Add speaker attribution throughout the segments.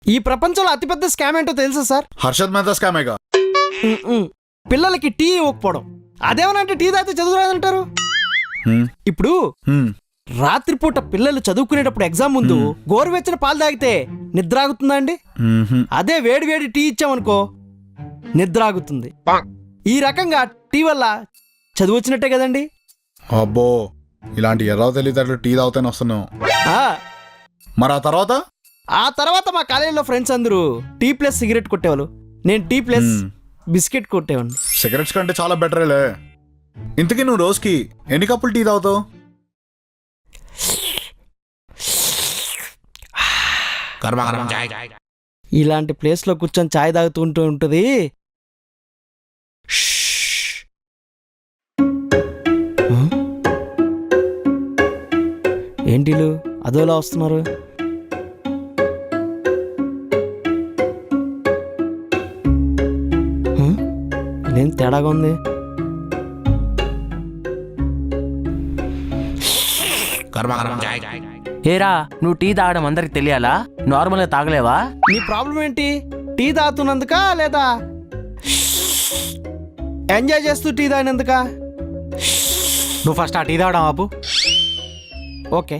Speaker 1: ఈ ప్రపంచంలో అతిపెద్ద స్కామ్ ఏంటో తెలుసా సార్?
Speaker 2: హర్షద్ మెహతా స్కామేగా.
Speaker 1: పిల్లలకి టీ ఇవ్వకపోవడం. అదేమనంటే టీ తాగితే చదువు రాదంటారు. ఇప్పుడు రాత్రిపూట పిల్లలు చదువుకునేటప్పుడు ఎగ్జామ్ ముందు గోరువెచ్చని పాలు తాగితే నిద్ర ఆగుతుందా అండి? అదే వేడి వేడి టీ ఇచ్చామనుకో నిద్ర ఆగుతుంది. ఈ రకంగా టీ వల్ల చదువు వచ్చినట్టే కదండి.
Speaker 2: అబ్బో, ఇలాంటి ఎర్ర తెలియదు టీ తాగుతానే వస్తున్నావు. మరి ఆ తర్వాత మా కాలేజీలో ఫ్రెండ్స్ అందరూ టీ ప్లస్ సిగరెట్ కొట్టేవాళ్ళు. నేను టీ ప్లస్ బిస్కెట్ కొట్టేవాడిని. సిగరెట్స్ కంటే చాలా బెటరేలే. ఇంతకీ నువ్వు రోజుకి ఎన్ని కప్పులు టీ తాగుతావు?
Speaker 1: ఇలాంటి ప్లేస్ లో కూర్చొని చాయ్ తాగుతూ ఉంటుంది. ఏంటిలు అదోలా వస్తున్నారు? ఇదేం తేడాగా ఉంది.
Speaker 3: ఏరా, నువ్వు టీ తాగడం అందరికి తెలియాలా? నార్మల్గా తాగలేవా?
Speaker 1: నీ ప్రాబ్లం ఏంటి? టీ తాగుతున్నందుక లేదా ఎంజాయ్ చేస్తూ టీ తాగినందుక?
Speaker 4: నువ్వు ఫస్ట్ ఆ టీ తాగడం ఆపు.
Speaker 1: ఓకే.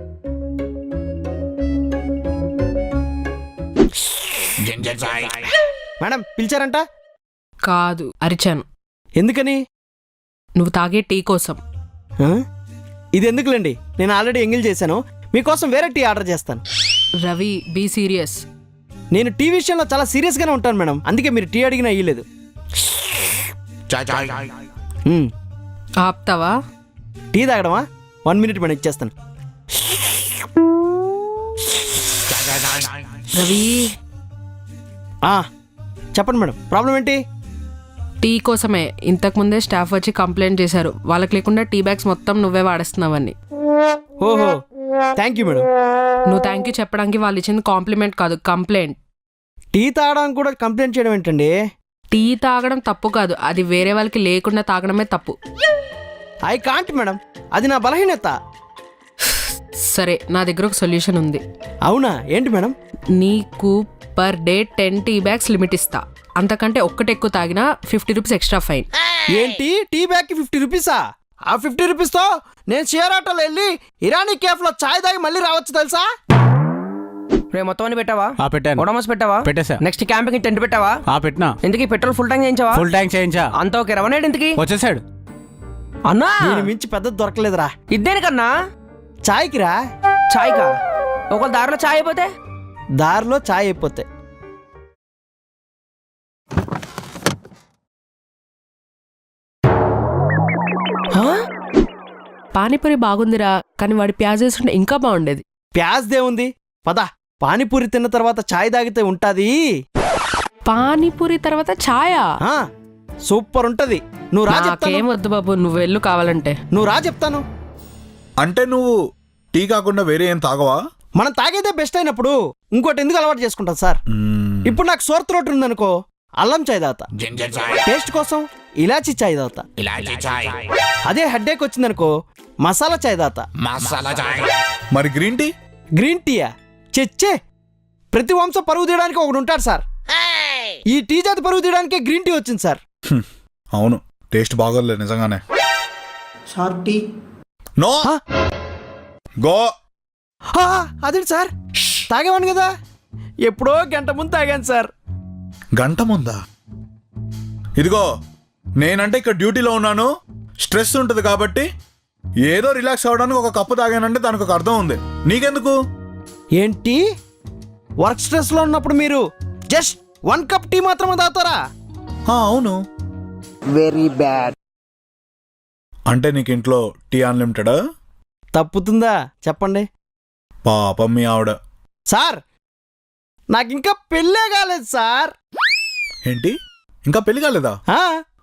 Speaker 1: మేడం పిలిచారంట?
Speaker 5: కాదు, అరిచాను.
Speaker 1: ఎందుకని?
Speaker 5: నువ్వు తాగే టీ కోసం.
Speaker 1: ఇది ఎందుకులేండి, నేను ఆల్రెడీ ఎంగిల్ చేశాను. మీకోసం వేరే టీ ఆర్డర్ చేస్తాను.
Speaker 5: Ravi, be serious.
Speaker 1: నేను టీ విషయంలో చాలా సీరియస్గానే ఉంటాను మేడం, అందుకే మీరు టీ అడిగినా ఇయ్యలేదు.
Speaker 5: ఆప్తావా?
Speaker 1: టీ తాగడమా? 1 minute మేడం, ఇచ్చేస్తాను.
Speaker 5: రవి,
Speaker 1: చెప్పండి మేడం, ప్రాబ్లం ఏంటి?
Speaker 5: టీ కోసమే ఇంతకుముందే స్టాఫ్ వచ్చి కంప్లైంట్ చేశారు. వాళ్ళకి లేకుండా టీ బ్యాగ్స్ మొత్తం నువ్వే వాడేస్తున్నావని.
Speaker 1: ఓహో, థ్యాంక్ యూ మేడం.
Speaker 5: నువ్వు థ్యాంక్ యూ చెప్పడానికి వాళ్ళు ఇచ్చింది కాంప్లిమెంట్ కాదు, కంప్లైంట్.
Speaker 1: టీ తాగడానికి కూడా కంప్లైంట్ చేయడం ఏంటండి?
Speaker 5: టీ తాగడం తప్పు కాదు, అది వేరే వాళ్ళకి లేకుండా తాగడమే తప్పు.
Speaker 1: ఐ కాంట్ మేడం, అది నా బలహీనత.
Speaker 5: సరే, నా దగ్గర ఒక సొల్యూషన్ ఉంది.
Speaker 1: అవునా? ఏంటి మేడం?
Speaker 5: నీకు per day 10 tea bags limit ఇస్తా. అంతకంటే ఒక్కటి ఎక్కువ తాగినా 50 రూపీస్ ఎక్స్ట్రా ఫైన్.
Speaker 1: ఏంటి, టీ బ్యాగ్కి 50 రూపీసా? ఆ 50 రూపీస్తో నేను షేర్ ఆటోలో వెళ్ళి ఇరానీ కేఫ్లో చాయ్ తాగి మళ్ళీ రావచ్చు తెలుసా?
Speaker 6: రే, మొత్తం అన్ని పెట్టావా?
Speaker 4: పెట్టాను.
Speaker 6: ఓడమస్ పెట్టావా?
Speaker 4: పెట్టేసా.
Speaker 6: నెక్స్ట్ క్యాంపింగ్ టెంట్ పెట్టావా?
Speaker 4: పెట్టినా.
Speaker 6: ఎందుకు పెట్రోల్ ఫుల్ ట్యాంక్ చేయించావా?
Speaker 4: ఫుల్ ట్యాంక్ చేయించా.
Speaker 6: అంత ఓకే. రవణేడు ఇంతకి
Speaker 4: వచ్చేసాడు.
Speaker 6: అన్నా,
Speaker 1: నేను మించి పెద్దది దొరకలేదురా.
Speaker 6: ఇద్దేనికన్నా?
Speaker 1: చాయ్కి రా.
Speaker 6: చాయ్కా? ఒకవేళ దారిలో చాయ్ అయిపోతే?
Speaker 1: దారిలో చాయ్ అయిపోతే
Speaker 5: పానీపూరి బాగుందిరా, కానీ వాడి ప్యాజ్ వేసుకుంటే ఇంకా బాగుండేది.
Speaker 1: ప్యాజ్ దేవుంది, పద. పానీపూరి తిన్న తర్వాత చాయ్ తాగితే ఉంటాది.
Speaker 5: పానీపూరి తర్వాత ఛాయా?
Speaker 1: సూపర్ ఉంటది. నువ్వు రా చెప్తాను.
Speaker 5: నాకేం వద్దు బాబు, నువ్వు వెళ్ళు కావాలంటే.
Speaker 1: నువ్వు రా చెప్తాను.
Speaker 2: అంటే నువ్వు టీ కాకుండా వేరే ఏం తాగవా?
Speaker 1: మనం తాగేదే బెస్ట్ అయినప్పుడు ఇంకోటి ఎందుకు అలవాటు చేసుకుంటాం సార్? ఇప్పుడు నాకు సోర్ త్రోట్ ఉందనుకో, అల్లం చాయ్ తాగుతా. టేస్ట్ కోసం ఇలాచీ చాయ్ తాగుతా. అదే హెడ్ఏక్ వచ్చిందనుకో, మసాలా చాయ్ తాగుతా.
Speaker 2: మరి గ్రీన్ టీ?
Speaker 1: గ్రీన్ టీయా? చెచ్చే, ప్రతి వంశం పరుగు తీయడానికి ఒకడు ఉంటాడు సార్. ఈ టీ జాతి పరుగు తీయడానికే గ్రీన్ టీ వచ్చింది సార్.
Speaker 2: అవును, టేస్ట్ బాగోలేదు నిజంగానే. No go.
Speaker 1: అదేంటి సార్, తాగేవాను కదా. ఎప్పుడో గంట ముందు తాగాను సార్.
Speaker 2: గంట ముందా? ఇదిగో, నేనంటే ఇక్కడ డ్యూటీలో ఉన్నాను, స్ట్రెస్ ఉంటుంది కాబట్టి ఏదో రిలాక్స్ అవ్వడానికి ఒక కప్పు తాగానంటే దానికి ఒక అర్థం ఉంది. నీకెందుకు?
Speaker 1: ఏంటి, వర్క్ స్ట్రెస్ లో ఉన్నప్పుడు మీరు జస్ట్ 1 కప్ టీ మాత్రమే తాగుతారా?
Speaker 2: అవును.
Speaker 6: Very bad.
Speaker 2: అంటే నీకు ఇంట్లో టీ అన్లిమిటెడా?
Speaker 1: తప్పుతుందా చెప్పండి.
Speaker 2: పాపం మీ ఆవిడ.
Speaker 1: సార్, నాకు ఇంకా పెళ్ళే కాలేదు సార్.
Speaker 2: ఏంటి, ఇంకా పెళ్లి కాలేదా?